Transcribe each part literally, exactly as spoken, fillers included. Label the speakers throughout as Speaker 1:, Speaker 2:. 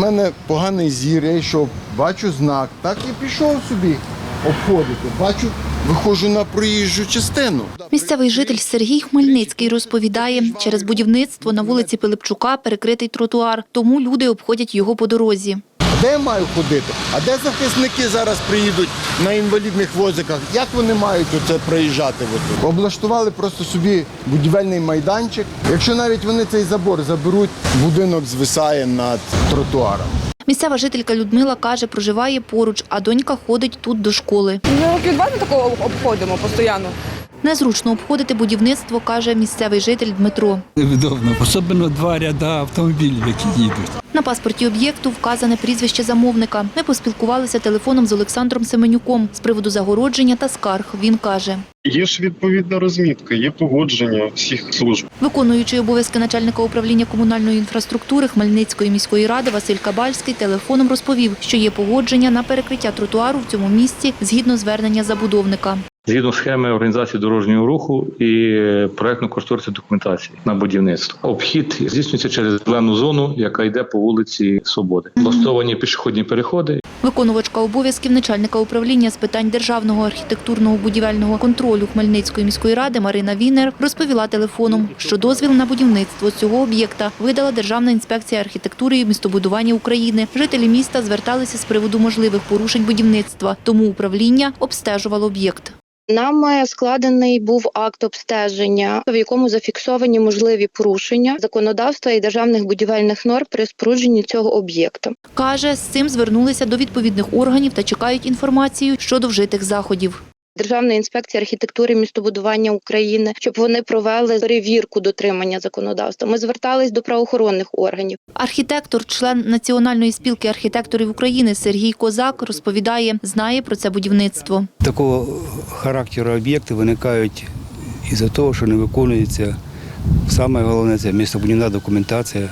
Speaker 1: мене поганий зір, я йшов, бачу знак, так і пішов собі обходити. Бачу, виходжу на проїжджу частину.
Speaker 2: Місцевий житель Сергій Хмельницький розповідає, через будівництво на вулиці Пилипчука перекритий тротуар, тому люди обходять його по дорозі.
Speaker 1: Де я маю ходити? А де захисники зараз приїдуть на інвалідних возиках? Як вони мають оце проїжджати? Облаштували просто собі будівельний майданчик. Якщо навіть вони цей забор заберуть, будинок звисає над тротуаром.
Speaker 2: Місцева жителька Людмила каже, проживає поруч, а донька ходить тут до школи.
Speaker 3: Ми років два ми такого обходимо постійно.
Speaker 2: Незручно обходити будівництво, каже місцевий житель Дмитро.
Speaker 4: Невдобно, особливо два ряда автомобілів, які їдуть.
Speaker 2: На паспорті об'єкту вказане прізвище замовника. Ми поспілкувалися телефоном з Олександром Семенюком з приводу загородження та скарг. Він каже:
Speaker 5: Є ж відповідна розмітка, є погодження всіх служб.
Speaker 2: Виконуючий обов'язки начальника управління комунальної інфраструктури Хмельницької міської ради Василь Кабальський телефоном розповів, що є погодження на перекриття тротуару в цьому місці згідно звернення забудовника.
Speaker 6: Згідно схеми організації дорожнього руху і проектно-кошторисної документації на будівництво. Обхід здійснюється через зелену зону, яка йде по вулиці Свободи. Влаштовані пішохідні переходи.
Speaker 2: Виконувачка обов'язків начальника управління з питань державного архітектурного будівельного контролю Хмельницької міської ради Марина Вінер розповіла телефоном, що дозвіл на будівництво цього об'єкта видала Державна інспекція архітектури і містобудування України. Жителі міста зверталися з приводу можливих порушень будівництва, тому управління обстежувало об'єкт.
Speaker 7: Нам складений був акт обстеження, в якому зафіксовані можливі порушення законодавства і державних будівельних норм при спорудженні цього об'єкту.
Speaker 2: Каже, з цим звернулися до відповідних органів та чекають інформацію щодо вжитих заходів.
Speaker 7: Державна інспекція архітектури і містобудування України, щоб вони провели перевірку дотримання законодавства. Ми звертались до правоохоронних органів.
Speaker 2: Архітектор, член Національної спілки архітекторів України Сергій Козак розповідає, знає про це будівництво.
Speaker 8: Такого характеру об'єкти виникають із-за того, що не виконується, саме головне, це містобудівна документація,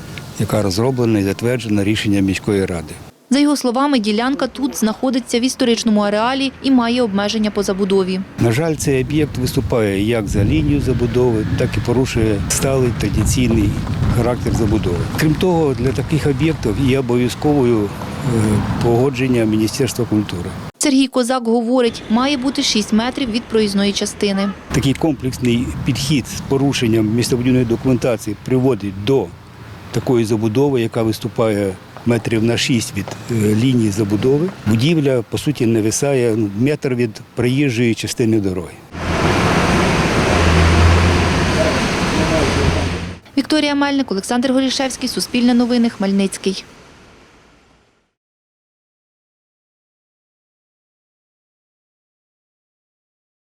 Speaker 8: яка розроблена і затверджена рішенням міської ради.
Speaker 2: За його словами, ділянка тут знаходиться в історичному ареалі і має обмеження по забудові.
Speaker 8: На жаль, цей об'єкт виступає як за лінію забудови, так і порушує сталий традиційний характер забудови. Крім того, для таких об'єктів є обов'язковою погодження Міністерства культури.
Speaker 2: Сергій Козак говорить, має бути шість метрів від проїзної частини.
Speaker 8: Такий комплексний підхід з порушенням містобудівної документації приводить до такої забудови, яка виступає метрів на шість від лінії забудови. Будівля, по суті, нависає метр від проїжджої частини дороги.
Speaker 2: Вікторія Мельник, Олександр Горішевський, Суспільне новини, Хмельницький.